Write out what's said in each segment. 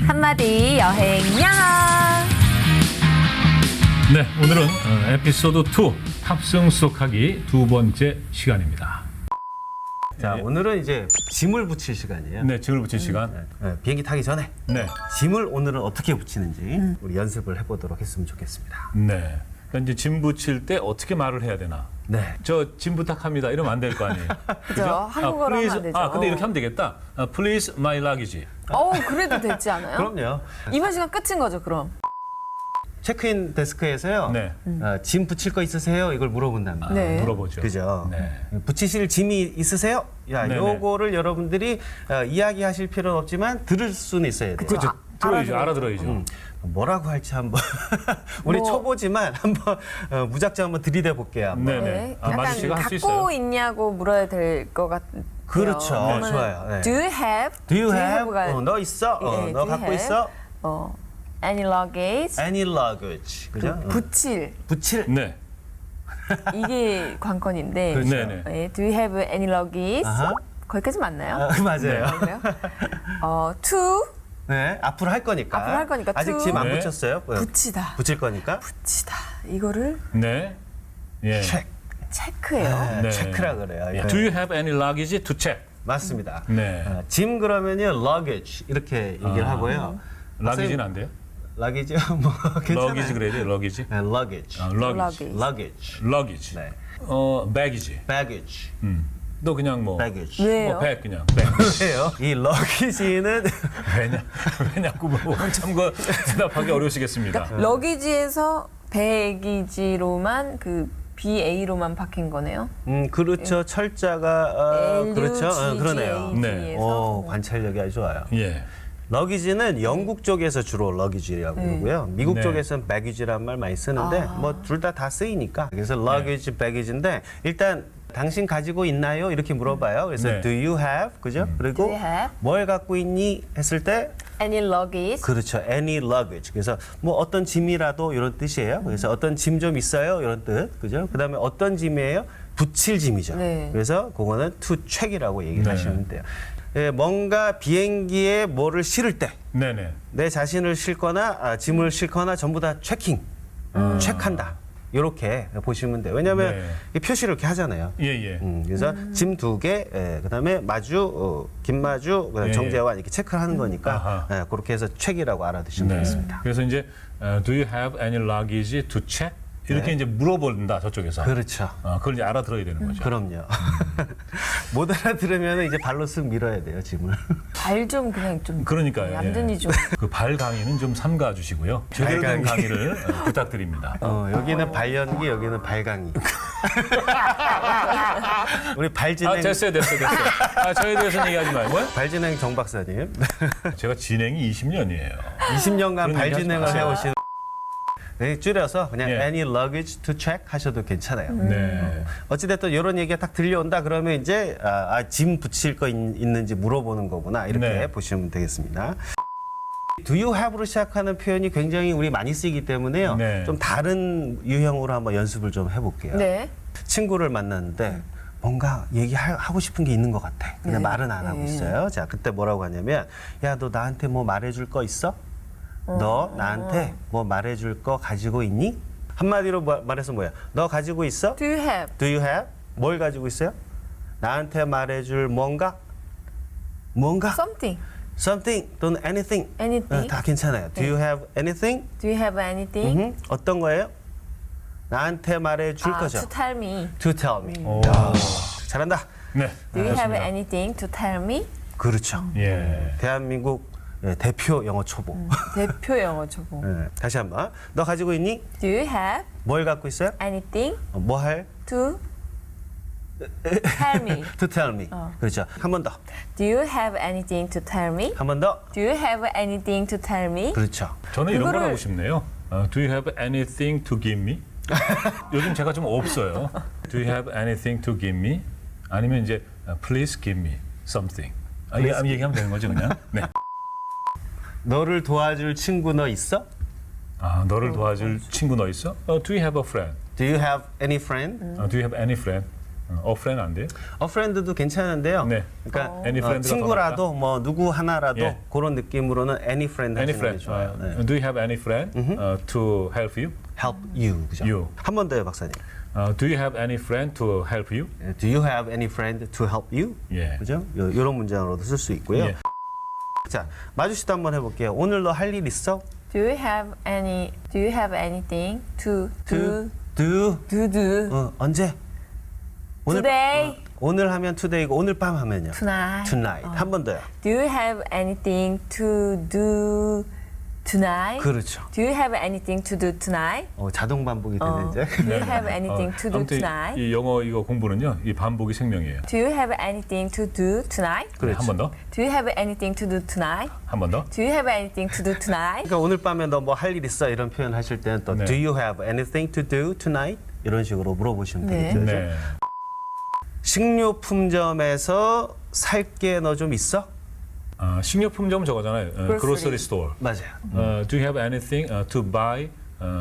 한마디 여행 영어. 네, 오늘은 에피소드 2 탑승 수속하기 두 번째 시간입니다. 자, 오늘은 이제 짐을 붙일 시간이에요. 네, 짐을 붙일 시간. 비행기 타기 전에 네, 짐을 오늘은 어떻게 붙이는지 우리 연습을 해보도록 했으면 좋겠습니다. 네. 그러니까 이제 짐 붙일 때 어떻게 말을 해야 되나? 네. 저 짐 부탁합니다. 이러면 안 될 거 아니에요. 그죠? 한국어로 하면 안 되죠. 근데 이렇게 하면 되겠다. Please my luggage. 그래도 되지 않아요? 그럼요. 이번 시간 끝인 거죠, 그럼? 체크인 데스크에서요. 네. 짐 붙일 거 있으세요? 이걸 물어본답니다. 네. 물어보죠. 그죠? 네. 붙이실 짐이 있으세요? 야, 네네. 요거를 여러분들이 이야기하실 필요는 없지만 들을 수는 있어야 돼요. 그죠. 들어야죠. 알아들어야죠. 뭐라고 할지 한번 우리 초보지만 한번 무작정 한번 들이대 볼게요. 한번. 네네. 마주 약간 씨가 할 수 갖고 있어요. 있냐고 물어야 될 것 같아요. 그렇죠. 그러면은 좋아요. 네. Do you have? Do you have? have가 너 있어? 예, 너 do you 갖고 have? 있어? Any luggage? Any luggage. 그죠? 붙일. 붙일. 네. 이게 관건인데. 그렇죠. 네네. 예, do you have any luggage? 아하. 거기까지 맞나요? 맞아요. 그래요? to 네, 앞으로 할 거니까. 앞으로 할 거니까 아직 to. 짐 안 네. 붙였어요? 붙이다. 붙일 거니까. 붙이다. 이거를 네. 예. 체크해요. 네. 체크라 그래요. 예. Do you have any luggage to check? 맞습니다. 네. 짐 그러면요, luggage 이렇게 얘기를 하고요. luggage는 안 돼요? luggage 뭐 괜찮아요. luggage 그래야 돼요. luggage. 네, luggage. luggage. luggage. luggage. 네. baggage. baggage. 또 그냥 뭐 baggage. 왜요? bag 그냥 bag. 왜요? 이 luggage는 왜냐고 물어보면 참그 대답하기 어려우시겠습니다. 러기지에서 배기지로만 그 BA로만 바뀐 거네요. 그렇죠. 철자가 그렇죠. 그러네요. 네. 오, 관찰력이 아주 좋아요. 예. 러기지는 영국 쪽에서 주로 러기지라고 그러고요. 미국 네. 쪽에서는 배기지란 말 많이 쓰는데 뭐 둘 다 쓰이니까. 그래서 러기지, 배기지인데 일단 당신 가지고 있나요? 이렇게 물어봐요. 그래서 네. do you have? 그죠? 그리고 Do you have? 뭘 갖고 있니? 했을 때 Any luggage? 그렇죠. any luggage. 그래서 뭐 어떤 짐이라도 이런 뜻이에요. 그래서 어떤 짐 좀 있어요? 이런 뜻. 그죠? 그다음에 어떤 짐이에요? 붙일 짐이죠. 네. 그래서 그거는 to check이라고 얘기를 네. 하시면 돼요. 예, 뭔가 비행기에 뭐를 실을 때 네네. 내 자신을 싣거나 짐을 싣거나 전부 다 체킹, 체크한다. 이렇게 보시면 돼요. 왜냐하면 네. 이 표시를 이렇게 하잖아요. 예예. 그래서 짐 2개, 그다음에 마주, 김마주, 그다음에 예, 정재환 이렇게 체크를 하는 거니까 아하. 그렇게 해서 책이라고 알아두시면 네. 되겠습니다. 그래서 이제 do you have any luggage to check? 이렇게 이제 물어본다 저쪽에서. 그렇죠. 그걸 이제 알아들어야 되는 거죠. 그럼요. 못 알아들으면 이제 발로 쓱 밀어야 돼요, 짐을. 발 좀 그냥 좀 그러니까요. 얌전히 예. 좀. 그 발 강의는 좀 삼가 주시고요. 제대로 된 강의. 강의를 부탁드립니다. 여기는 발연기, 여기는 발강의. 우리 발진행, 됐어요. 저에 대해서는 얘기하지 말고요. 발진행 정 박사님. 제가 진행이 20년이에요. 20년간 그런 얘기 발진행을 하지 마세요. 해오신. 네, 줄여서 그냥 예. any luggage to check 하셔도 괜찮아요. 네. 어찌됐든 이런 얘기가 딱 들려온다 그러면 이제 짐 붙일 거 있는지 물어보는 거구나 이렇게 네. 보시면 되겠습니다. Do you have로 시작하는 표현이 굉장히 우리 많이 쓰이기 때문에요. 네. 좀 다른 유형으로 한번 연습을 좀 해볼게요. 네. 친구를 만났는데 뭔가 얘기하고 싶은 게 있는 것 같아. 근데 네. 말은 안 하고 네. 있어요. 자, 그때 뭐라고 하냐면 야, 너 나한테 뭐 말해줄 거 있어? 너 나한테 뭐 말해줄 거 가지고 있니? 한마디로 말해서 뭐야? 너 가지고 있어? Do you have? Do you have? 뭘 가지고 있어요? 나한테 말해줄 뭔가? 뭔가? Something. Something 또는 anything. Anything. 다 괜찮아요. Do you have anything? Do you have anything? 어떤 거예요? 나한테 말해줄 거죠. To tell me. To tell me. 오. 야, 잘한다. 네. Do you have 좋습니다. anything to tell me? 그렇죠. 예. 대한민국 대표 영어 초보. 대표 영어 초보. 다시 한번. 너 가지고 있니? Do you have 뭘 갖고 있어요? anything 뭐 할? to tell me? To tell me. 그렇죠. 한 번 더. Do you have anything to tell me? 한 번 더. Do you have anything to tell me? 그렇죠. 저는 이런 걸 그거를- 하고 싶네요. Do you have anything to give me? 요즘 제가 좀 없어요. Do you have anything to give me? 아니면 이제 please give me something. 얘기하면 되는 거죠, 그냥. 네. 너를 도와줄 친구 너 있어? 너를 도와줄 친구 너 있어? Do you have a friend? Do you have any friend? Do you have any friend? A friend 안 돼요? A friend도 괜찮은데요. 네. 그러니까 Any friend가 친구라도 뭐 누구 하나라도 예. 그런 느낌으로는 any friend Any 하시는 게 friend. 좋아요. 네. Do you have any friend to help you? Help you. 그죠? You. 한 번 더요, 박사님. Do you have any friend to help you? Do you have any friend to help you? 예. 그죠? 이런 문장으로도 쓸 수 있고요. 예. 자, 마주 씨도 한번 해볼게요. 오늘 너 할 일 있어? Do you have anything to do. 언제? today? 오늘 하면 today고 오늘 밤 하면요. Tonight. tonight. 한 번 더요. Do you have anything to do tonight? 그렇죠. Do you have anything to do tonight? 자동 반복이 되는 이제. Do you have anything to do 아무튼 tonight? 이 영어 이거 공부는요, 이 반복이 생명이에요. Do you have anything to do tonight? 그렇죠. 한 번 더, Do you have anything to do tonight? 한 번 더. Do you have anything to do tonight? 그러니까 오늘 밤에 너 뭐 할 일 있어? 이런 표현 하실 때는 또 네. Do you have anything to do tonight? 이런 식으로 물어보시면 네. 되겠죠. 네. 식료품점에서 살 게 너 좀 있어? 식료품점 저거잖아요. Grocery store. 맞아요. Do you have anything to buy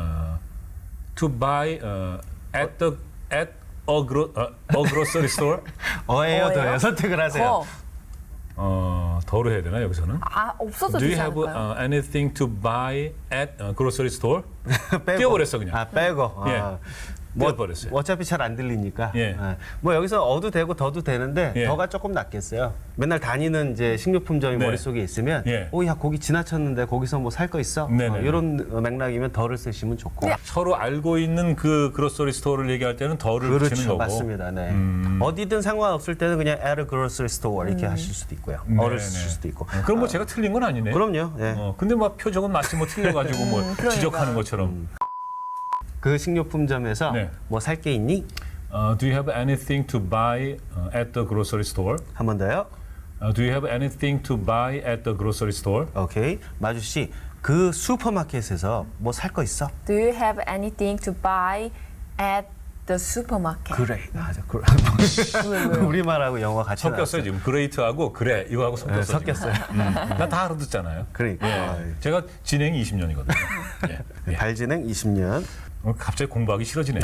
at a grocery store? 어예요, 더요. 어예요? 선택을 하세요. 더로 해야 되나 여기서는? 없어도 Do you 되지 have 않을까요? anything to buy at a grocery store? 빼고. 띄워버렸어 그냥. 빼고. 예. 띄워버렸어요. 어차피 잘 안 들리니까. 예. 뭐 여기서 어도 되고 더도 되는데 예. 더가 조금 낫겠어요. 맨날 다니는 이제 식료품점이 네. 머릿속에 있으면 예. 야 거기 지나쳤는데 거기서 뭐 살 거 있어? 네네. 이런 맥락이면 더를 쓰시면 좋고. 서로 알고 있는 그 그로서리 스토어를 얘기할 때는 더를 붙이는 그렇죠, 거고. 맞습니다. 네. 어디든 상관없을 때는 그냥 at a grocery store 이렇게 하실 수도 있고요. 어를 네네. 쓰실 수도 있고. 그럼 뭐 제가 틀린 건 아니네. 그럼요. 예. 근데 막 표적은 마치 뭐 틀려가지고 뭐 그러니까. 지적하는 것처럼. 그 식료품점에서 네. 뭐 살 게 있니? Do you have anything to buy at the grocery store? 한 번 더요. Do you have anything to buy at the grocery store? 오케이. 마주 씨, 그 슈퍼마켓에서 뭐 살 거 있어? Do you have anything to buy at the supermarket? 그래. 맞아. 우리말하고 영어 같이 섞였어요 지금. 그레이트하고 그래 이거하고 섞였어요. 섞였어요. 나다 알아듣잖아요. 그러니까. 제가 진행이 20년이거든요. 예. 발진행 20년. 갑자기 공부하기 싫어지네요.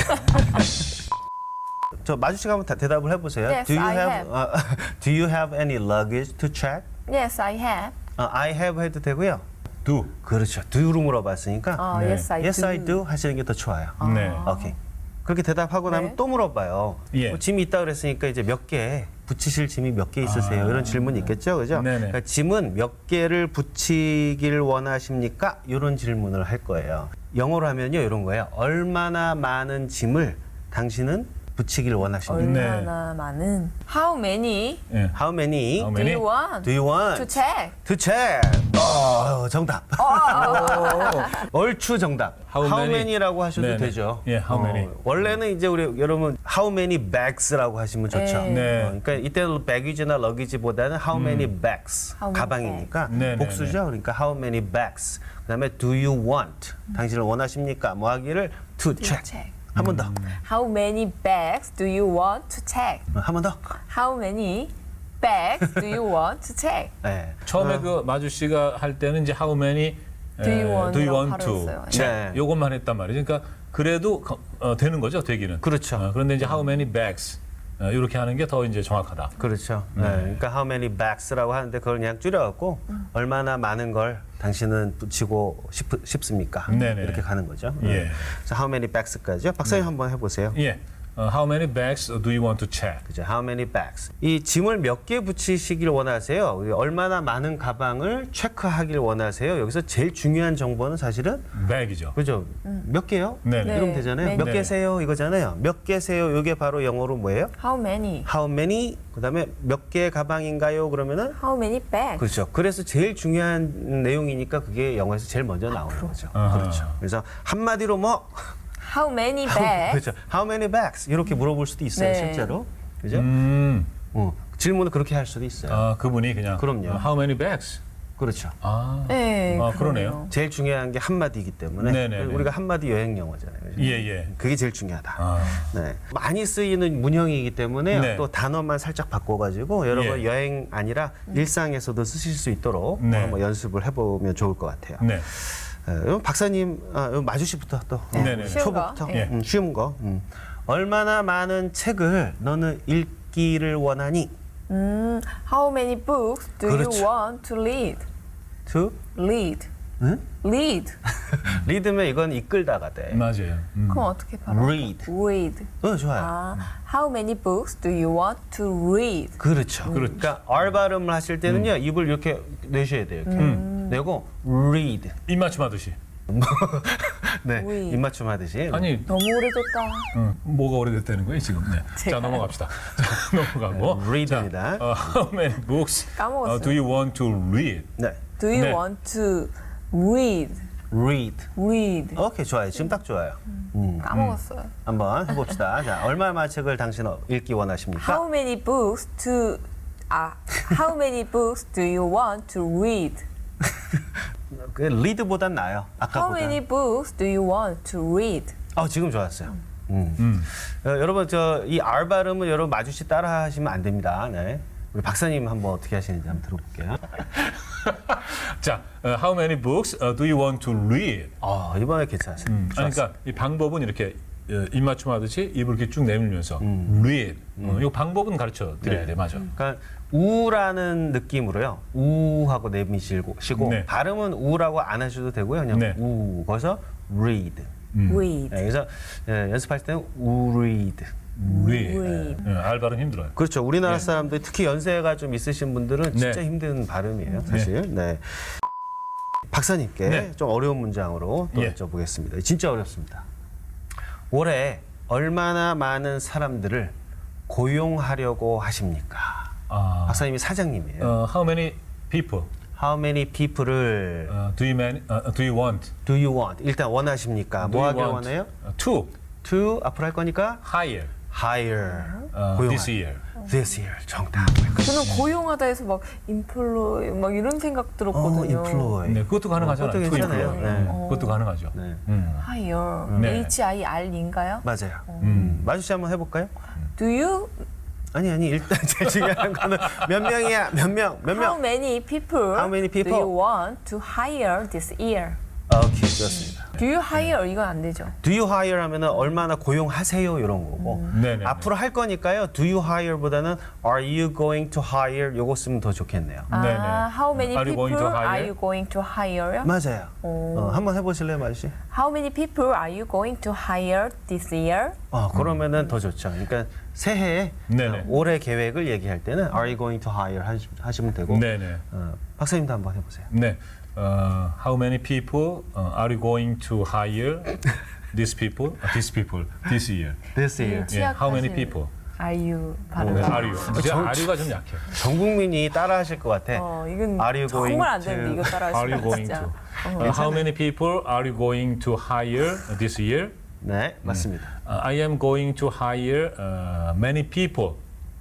저 마주 씨가 한번 대답을 해보세요. Yes, I Do you have any luggage to check? Yes, I have. I have 해도 되고요. Do. 그렇죠. do로 물어봤으니까 네. Yes, I yes, do. I do 하시는 게 더 좋아요. 네. 오케이. 그렇게 대답하고 나면 네. 또 물어봐요. 예. 뭐 짐이 있다 그랬으니까 이제 몇 개 붙이실 짐이 몇 개 있으세요? 이런 질문이 있겠죠, 그죠? 네네. 그러니까 짐은 몇 개를 붙이길 원하십니까? 이런 질문을 할 거예요. 영어로 하면요, 이런 거예요. 얼마나 많은 짐을 당신은 붙이길 원하십니까? 네. 얼마나 많은? How many 예. How many How do many? you want do you want to check? to check? 정답. 얼추 정답. How many? many라고 하셔도 네네. 되죠. 예, how many. 원래는 이제 우리 여러분 how many bags라고 하시면 좋죠. 네. 네. 그러니까 이때는 baggage나 luggage보다는 how many bags How many 가방이니까 bags. 네네네. 복수죠. 그러니까 how many bags. 그다음에 do you want 당신을 원하십니까? 뭐 하기를 to check. check. 한 번 더. How many bags do you want to check? 한 번 더. How many bags do you want to check? 네. 처음에 그 마주 씨가 할 때는 이제 how many Do you want do you 라고 want to 발음했어요. check 네. 요것만 했단 말이죠. 그러니까 그래도 되는 거죠, 되기는. 그렇죠. 그런데 이제 how many bags 이렇게 하는 게 더 이제 정확하다. 그렇죠. 네. 그러니까 how many bags라고 하는데 그걸 그냥 줄여갖고 얼마나 많은 걸 당신은 붙이고 싶습니까? 네네. 이렇게 가는 거죠. 예. 그래서 how many bags까지요. 박사님 한번 해보세요. 예. How many bags do you want to check? 그죠? How many bags? 이 짐을 몇 개 붙이시길 원하세요? 얼마나 많은 가방을 체크하길 원하세요? 여기서 제일 중요한 정보는 사실은 bag이죠. 그죠? 몇 개요? 네네. 이러면 되잖아요. 네. 몇 네. 개세요? 이거잖아요. 몇 개세요? 이게 바로 영어로 뭐예요? How many? How many? 그다음에 몇 개 가방인가요? 그러면은 How many bags? 그렇죠. 그래서 제일 중요한 내용이니까 그게 영어에서 제일 먼저 나오는 거죠. 아하. 그렇죠. 그래서 한마디로 뭐 How many bags? 그렇죠. How many bags? 이렇게 물어볼 수도 있어요, 네. 실제로. 그죠? 질문을 그렇게 할 수도 있어요. 그분이 그냥 그럼요. How many bags? 그렇죠. 네, 그러네요. 제일 중요한 게 한마디이기 때문에 네네네. 우리가 한마디 여행 영어잖아요. 그죠? 예. 그게 제일 중요하다. 아. 네. 많이 쓰이는 문형이기 때문에 네. 또 단어만 살짝 바꿔가지고 여러분 예. 여행 아니라 일상에서도 쓰실 수 있도록 네. 한번 연습을 해보면 좋을 것 같아요. 네. 박사님, 마주 씨부터 또 네네. 쉬운 거. 초보부터 예. 쉬운 거. 얼마나 많은 책을 너는 읽기를 원하니? How many books do 그렇죠. you want to read? To Read. 응? Read. read면 이건 이끌다가 돼. 맞아요. 그럼 어떻게 발음? read. Read. 좋아요. 아, how many books do you want to read? 그렇죠. 그러니까 R 발음을 하실 때는요 입을 이렇게 내셔야 돼요. 이렇게 내고 read. 입맞춤 하듯이. 네, read. 입맞춤 하듯이. 아니, 너무 오래됐다. 뭐가 오래됐다는 거예요 지금? 네. 자 넘어갑시다. 자, 넘어가고. read입니다. How many books 까먹었어요. do you want to read? 네, Do you 네. want to read? read. Read. 오케이 좋아요. 지금 딱 좋아요. 까먹었어요. 한번 해봅시다. 자, 얼마나 책을 당신 읽기 원하십니까? How many books How many books do you want to read? 그 read보단 나아요. How 아까보다. many books do you want to read? 지금 좋았어요. 여러분 이 R 발음은 여러분 마주치 따라 하시면 안 됩니다. 네. 우리 박사님 한번 어떻게 하시는지 한번 들어볼게요. 자, how many books do you want to read? 이번에 괜찮았어요. 아니, 그러니까 이 방법은 이렇게 입맞춤 하듯이 입을 이렇게 쭉 내밀면서 read. 이 방법은 가르쳐 드려야 돼, 맞아. 그러니까 우라는 느낌으로요. 우하고 내미시고 네. 발음은 우라고 안 하셔도 되고요. 그냥 네. 우 거기서 read. Read. 네, 그래서 연습할 때는 read. read. 알 발음 힘들어요. 그렇죠. 우리나라 사람들 특히 연세가 좀 있으신 분들은 진짜 네. 힘든 발음이에요, 사실. 네. 박사님께 네. 좀 어려운 문장으로 또 예. 여쭤보겠습니다. 진짜 어렵습니다. 올해 얼마나 많은 사람들을 고용하려고 하십니까? 박사님이 사장님이에요. How many people How many people을 do you want? do you want? 일단 원하십니까? Do 뭐 you 하길 want, 원해요? to To 앞으로 할 거니까 hire hire. this year. This year. 정답. 저는 고용하다 해서 막 employ 막 이런 생각 들었거든요. employ. 네, 그것도 가능하잖아요. 그것도 to 괜찮아요. employ. 네. 그것도 가능하죠. 네. hire. 네. HIR인가요? 맞아요. 마주씨 한번 해볼까요? Do you 아니 일단 제일 중요한 거는 몇 명이야? 몇 명? How many people How many people? do you want to hire this year? 오케이, 좋습니다. Do you hire 이건 안 되죠. Do you hire 하면은 얼마나 고용하세요 이런 거고 네네. 앞으로 할 거니까요. Do you hire보다는 Are you going to hire 요거 쓰면 더 좋겠네요. 네네. How many Are you going people to hire? are you going to hire요? 맞아요. 한번 해보실래요, 마주씨? How many people are you going to hire this year? 그러면은 더 좋죠. 그러니까 새해에 네네. 올해 계획을 얘기할 때는 Are you going to hire 하시면 되고 네네. 박사님도 한번 해보세요. 네. How many people are you going to hire these people this year? This year. 예, how many 취약하신 people? Are you 발음. 네, are you? 제가 are가 좀 약해요. 전 국민이 따라하실 것 같아. 이건 Are you going 정말 안 to- 되는데 이거 Are you 따라하시면 going 진짜. to? How many people are you going to hire this year? 네, 맞습니다. I am going to hire many people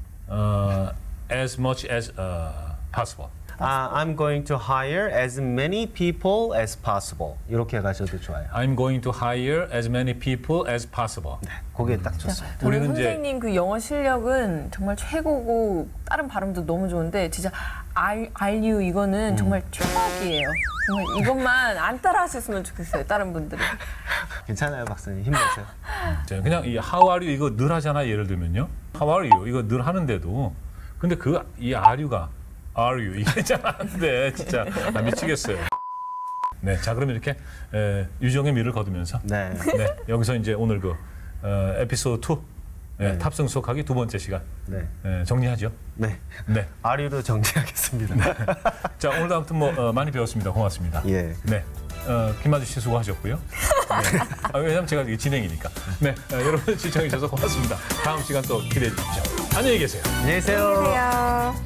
as much as possible. I'm going to hire as many people as possible. 이렇게 가셔도 좋아요. I'm going to hire as many people as possible. 그게 딱 좋습니다. 저는 우리는 이제- 선생님 그 영어 실력은 정말 최고고 다른 발음도 너무 좋은데 진짜 are you 이거는 정말 최악이에요. 정말 이것만 안 따라하셨으면 좋겠어요. 다른 분들은. 괜찮아요, 박사님. 힘내세요. 자, 그냥 이 How are you 이거 늘 하잖아. 예를 들면요. How are you 이거 늘 하는데도 근데 이 are you가 are you 이게 잘 안 돼. 진짜 나 미치겠어요. 네, 자 그러면 이렇게 유정의 미를 거두면서 네. 네, 여기서 이제 오늘 에피소드 2 탑승 수업하기 두 번째 시간 네. 정리하죠. 네. 네. 아리로 정리하겠습니다. 자 오늘도 아무튼 많이 배웠습니다. 고맙습니다. 예. 네. 김마주 씨 수고하셨고요. 네. 왜냐면 제가 이게 진행이니까. 네. 여러분 시청해 주셔서 고맙습니다. 다음 시간 또 기대해 주십시오. 안녕히 계세요. 안녕히 계세요. 안녕하세요.